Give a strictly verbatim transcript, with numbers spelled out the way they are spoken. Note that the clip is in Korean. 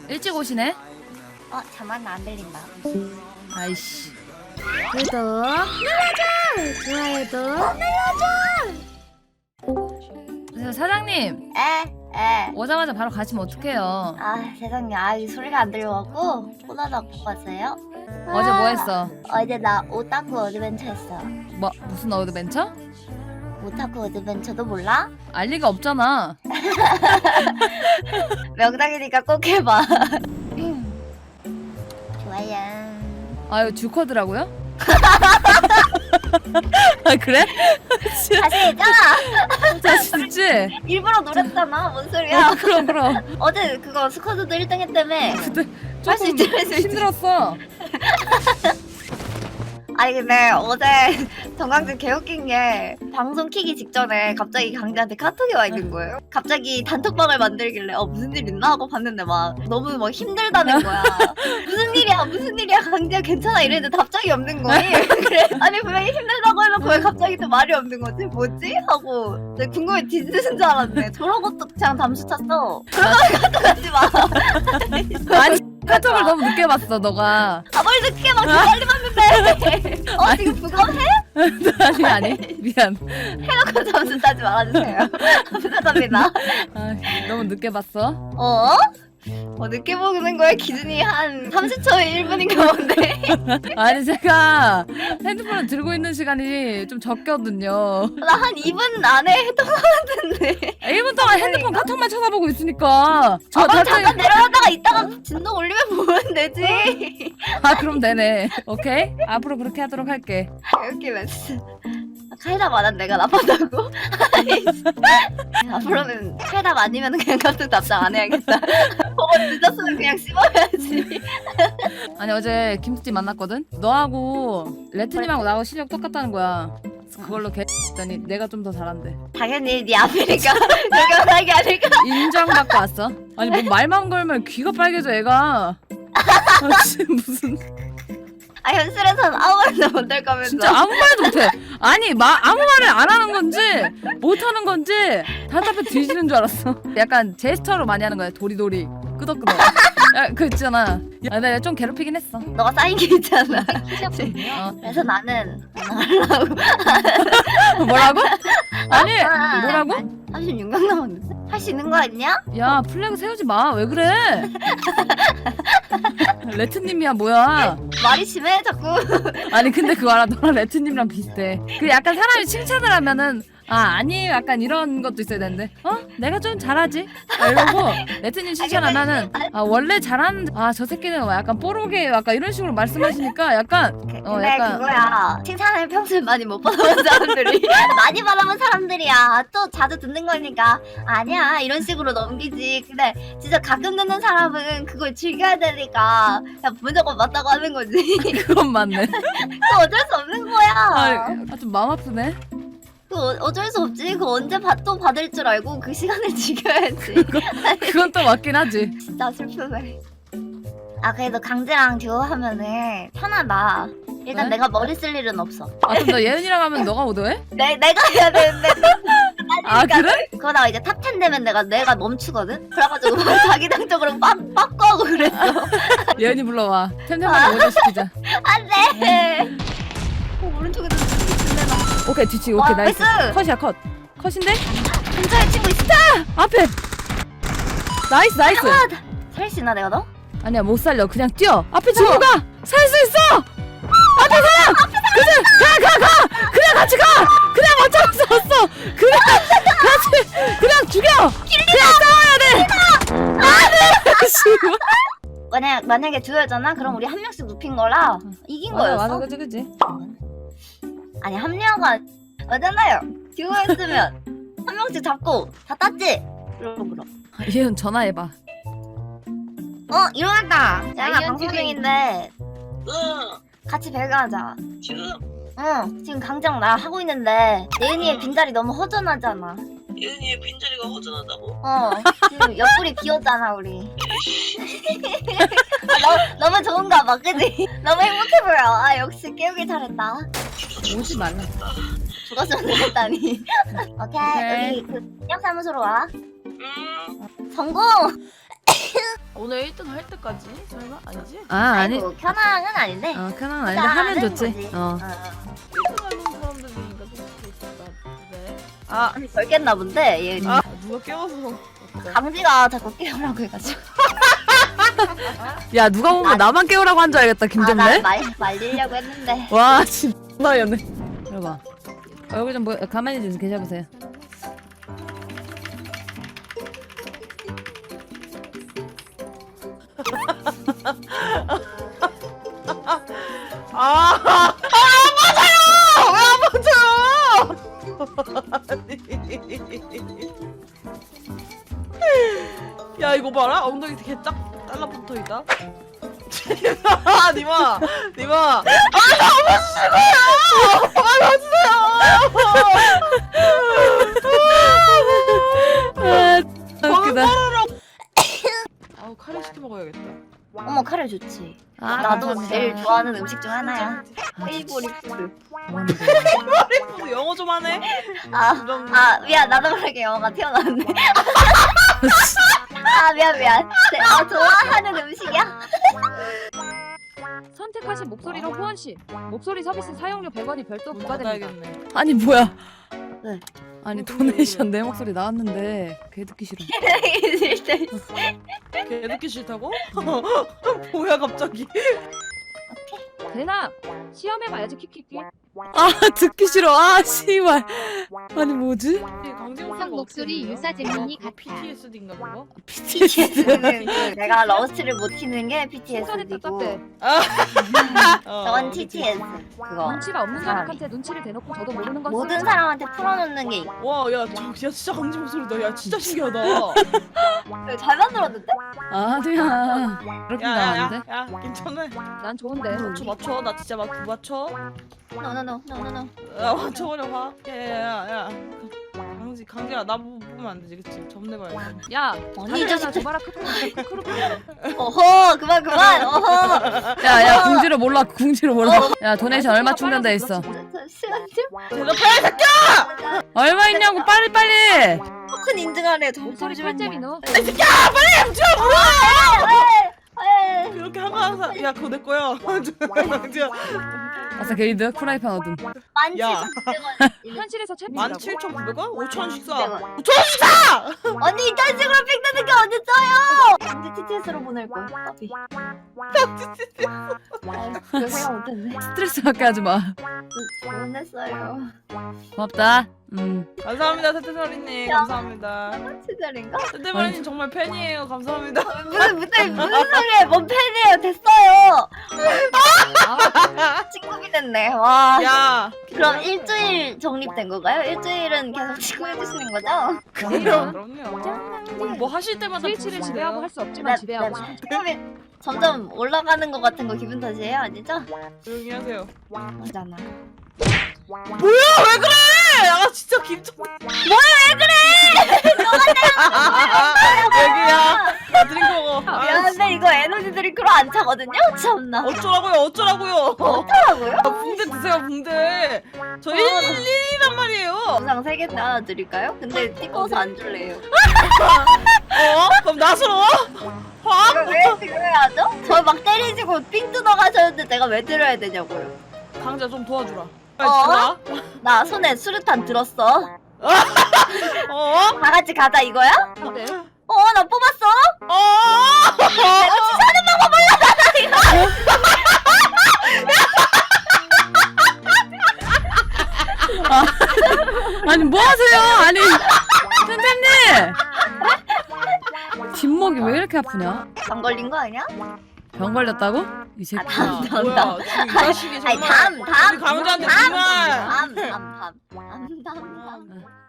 일찍 오시네? 어 잠깐 안 들린다. 아이씨. 구독 눌러줘! 좋아요도 눌러줘! 사장님! 에? 에? 오자마자 바로 가시면 어떡해요? 아 세상에 아이 소리가 안 들려갖고 폰하다 바꿨어요. 어제 뭐 했어? 어제 나 오타쿠 어드벤처 했어. 뭐 무슨 어드벤처? 오타쿠 어드벤처도 몰라? 알 리가 없잖아. 명당이니까 꼭 해봐. 좋아요. 아유 주커드라고요? 아 그래? 자신 있잖아. 자신 있지? 일부러 노렸잖아. 뭔 소리야? 어, 그럼 그럼. 어제 그거 스쿼드도 일 등 했다며. 그때 할 수 조금 있지, 할 수 있지. 힘들었어. 아니 근데 어제 정강진 개웃긴 게 방송 키기 직전에 갑자기 강재한테 카톡이 와 있는 거예요. 갑자기 단톡방을 만들길래 어 무슨 일 있나 하고 봤는데 막 너무 막 힘들다는 거야. 무슨 일이야 무슨 일이야 강재야 괜찮아 이랬는데 답장이 없는 거니. 그래 아니 분명히 힘들다고 해놓고 왜 갑자기 또 말이 없는 거지 뭐지 하고 내가 궁금해 뒤지는 줄 알았네. 저러고 또 그냥 잠수 찼어. 그러면 카톡하지 마. 아니 카톡을 너무 늦게 봤어 너가. 아 뭘 늦게 막 빨리 봤는데. 어 지금 부검해? 아니 아니 미안. 해놓고 잠수 타지 말아주세요. 부탁합니다. 아, 너무 늦게 봤어. 어? 어 늦게 보는 거에 기준이 한 삼십 초에 일 분인가 본데. 아니 제가 핸드폰을 들고 있는 시간이 좀 적거든요. 나 한 이 분 안에 했던 거 같은데. 일 분 동안 핸드폰 카톡만 쳐다보고 있으니까. 저 아, 그럼 답장이- 잠깐 내려갔다가 이따가 진동 올리면 보면 되지. 아 그럼 되네. 오케이. 앞으로 그렇게 하도록 할게. 이렇게 멘트. 카이다 만한 내가 나빴다고? 앞으로는 카이다 아니면 그냥 카톡 답장 안 해야겠다. 보고 늦었으면 그냥 씹어야지. 아니 어제 김숙지 만났거든. 너하고 레트님하고 나하고 실력 똑같다는 거야. 그래서 그걸로 개했더니 내가 좀 더 잘한대. 당연히 네 앞이니까 여경하게 아닐까? 인정받고 왔어. 아니 뭐 말만 걸면 귀가 빨개져 애가. 아, 진짜 무슨 아 현실에서는 아무 말도 못할 거면서. 진짜 아무 말도 못해. 아니 마, 아무 말을 안 하는 건지 못하는 건지 답답해 뒤지는 줄 알았어. 약간 제스처로 많이 하는 거야. 도리도리 끄덕끄덕. 야, 그 있잖아. 야, 내가 좀 괴롭히긴 했어. 너가 쌓인 게 있잖아. 어. 그래서 나는 안 하려고. 뭐라고? 아니 아, 뭐라고? 삼십육 명 남았는데? 할 수 있는 거 아니냐? 야 플래그 세우지 마. 왜 그래? 레트님이야 뭐야? 말이 심해 자꾸. 아니 근데 그거 알아? 너랑 레트님이랑 비슷해. 그 약간 사람이 칭찬을 하면은 아 아니에요 약간 이런 것도 있어야 되는데 어? 내가 좀 잘하지? 아, 이러고 레트님 칭찬하면은 아 원래 잘하는 아 저 새끼는 약간 뽀록해 약간 이런 식으로 말씀하시니까 약간 어 근데 약간 그거야. 칭찬을 평소에 많이 못 받아본 사람들이 많이 받아본 사람들이야. 또 자주 듣는 거니까 아니야 이런 식으로 넘기지. 근데 진짜 가끔 듣는 사람은 그걸 즐겨야 되니까 그냥 무조건 맞다고 하는 거지. 그건 맞네. 그거 어쩔 수 없는 거야. 아 좀 마음 아프네. 그 어- 어쩔 수 없지. 그거 언제 받, 또 받을 줄 알고 그 시간을 지켜야지. 그건 또 맞긴 하지. 진짜 슬프네. 아 그래도 강제랑 듀오 하면은 편하다. 일단 왜? 내가 머리 쓸 일은 없어. 아 그럼 너 예은이랑 하면 너가 오더해? 내 내가 해야 되는데. 아 그래? 그러다가 이제 탑텐 되면 내가 내가 멈추거든. 그래가지고 막 자기당적으로 빡 빡거하고 그랬어. 예은이 불러와. 템템한테 오자 시키자. 안돼. 어, 오른쪽에도 있는데 나. 오케이 뒤치 와, 오케이 나이스. 나이스! 컷이야 컷. 컷인데? 근처에 친구 있어. 앞에. 나이스 나이스. 살 수 있나 내가 너? 아니야 못 살려 그냥 뛰어 앞에 친구가 살 수 있어 앞에 사람 그냥 가가가 그냥 같이 가 그냥 어쩔 수 없어 그냥 같이 그냥 죽여 그냥 싸워야 돼 안돼 씨발 만약 만약에 듀오였잖아. 그럼 우리 한 명씩 눕힌 거라 이긴 맞아 거였어. 맞아 그치 그치 아니 합류가 맞잖아요. 듀오였으면 한 명씩 잡고 다 땄지. 그럼 그럼. 예은 전화해봐 어 일어났다. 야 나 이현 방송 지금- 중인데 응 같이 배가하자. 지금 응 지금 강장 나 하고 있는데 예은이의 빈자리 너무 허전하잖아. 예은이의 빈자리가 허전하다고? 어 지금 옆구리 비었잖아 우리. 아, 너, 너무 좋은가 봐 그지? 너무 행복해 보여. 아 역시 깨우길 잘했다. 오지 말라 죽었으면 좋겠다니. 오케이 오케이. 여기 그 인력사무소로 와. 음 성공. 오늘 일 등 할 때까지? 설마? 아니지? 아 아니 아이고, 켜낭은 아닌데. 어 그냥 아닌데 하면 좋지 거지. 어 어, 어. 일 등 하는 사람들이니까 좀 그렇다. 아, 아니 덜 깼나 본데 얘 아 누가 깨워서 어떡해. 강지가 자꾸 깨우라고 해가지고. 야 누가 보면 나만 깨우라고 한 줄 알겠다 아, 김정래 나말 말리려고 했는데. 와 진짜였네 이러봐 어, 여기 좀 뭐, 가만히 좀 계셔보세요 아, 안 맞아요! 왜 안 맞아요? 야 이거 봐라 엉덩이 되게 딱 달라붙어 있다. 아 니마 니마 아 너무 싫어요. 아 맞으세요. 아 웃기다 아우 카레 시켜 먹어야겠다. 어머 카레 좋지. 아, 나도 감사합니다. 제일 좋아하는 음식 중 하나야. 아, 페이보릿 푸드. 뭐하는 또 영어 좀 하네. 아, 이런 아 미안 나도 모르게 영어가 튀어나왔네. 아 미안 미안. 제, 아, 좋아하는 음식이야? 선택하신 목소리로 후원 씨 목소리 서비스 사용료 백 원이 별도 문 부과됩니다. 닫아야겠네. 아니 뭐야 네. 아니 도네이션 내 목소리 나왔는데 걔 듣기 싫어 걔 듣기 싫다고? 뭐야 갑자기? 대나 시험해봐야지 키키키. 아 듣기 싫어 아 씨발 아니 뭐지 강제목소리가 형 목소리 유사 재민이 같아. 피티에스디인가 그거? 비티에스 그, 내가 러스트를 못 키는 게 순간에 피티에스디고 답답해. 어, 저건 그치. 티티에스 그거 눈치가 없는 사람이. 사람한테 눈치를 대놓고 저도 모르는 건 모든 쓰지. 사람한테 풀어놓는 게 있고. 와, 야, 저, 야, 진짜 강제 목소리다. 야, 진짜 신기하다. 잘 만들었는데? 아니야 그렇게 야, 야, 나왔는데 야, 야, 괜찮아. 난 좋은데. 맞춰, 맞춰. 나 진짜 막 맞춰. 노노노 노노노 야, 맞춰버려 봐. 야, 야, 야, 야. 강지, 강지야, 나 보- 보면 안 되지, 그치? 접내봐야지. 야 아니 이 자식들 조마라 크크로 크크로. 어허 그만 그만 어허 야야 궁지를 몰라 궁지를 몰라 야 도네이션 얼마 충전돼 있어 잠시만 좀 대답해, 새끼야! 얼마 있냐고 빨리 빨리 토큰 인증하래 저 목소리 잠시만요. 꿀잼이노. 에이, 그렇게 하고 항상, 야, 그거 내 거야. 강지야. 아싸 게이드 프라이팬 얻음 만 야. 칠천구백 원. 현실에서 만 챔피언이라고. 칠천구백 원? 오천 원씩 사. 구백 원. 오천 원씩 사! 언니 이딴 식으로 픽되는 게 어딨어요? 언제 티티에스로 보낼 거야? 커피. 그거 생각 못했네. 스트레스 받게 하지마 보냈어요. 고맙다 음 감사합니다, 태태머리님. 감사합니다. 시절인가? 태태머리님 정말 팬이에요. 감사합니다. 무슨 무슨 무슨 소리야? 뭔 팬이에요? 됐어요. 아, 친구이 됐네. 와. 야, 그럼 일주일 정립된 건가요? 일주일은 계속 친구해 주시는 거죠? 그럼요, 그럼요. 우리 뭐 하실 때마다 스위치를 부르시네요. 지배하고 할 수 없지만 지배하고 싶어. 처음에 점점 올라가는 것 같은 거 기분 탓이에요, 아니죠? 조용히 하세요. 맞잖아. 뭐야, 왜 그래? 아, 진짜 김정. 뭐야, 왜 그래? 여기야. 나 드링크 먹어. 아, 미안한데 이거 에너지 드링크로 안 차거든요? 참나. 어쩌라고요, 어쩌라고요. 어쩌라고요? 아, 붕대 드세요, 붕대. 저 일일이란 말이에요. 영상 세 개 나눠드릴까요? 근데 찍어서 안 줄래요. 어? 그럼 나서러? 화? 이거 왜 들어야죠? 저 막 때리시고 삥 뜯어 가셨는데 내가 왜 들어야 되냐고요. 강자 좀 도와주라. 어? 어? 나 손에 수류탄 들었어. 어? 다 같이 가자 이거야? 근데 어, 나 뽑았어. 어? 아니 뭐 하세요 아니 선생님 뒷목이 왜 이렇게 아프냐 안 걸린 거 아니야? 병 걸렸다고? 이 새끼 아, 다음, 다음, 뭐야, 다음. 지금 이 자식이 아니 정말. 다음, 다음. 우리 강자한테 다음, 정말. 다음, 다음, 다음, 다음, 다음, 다음.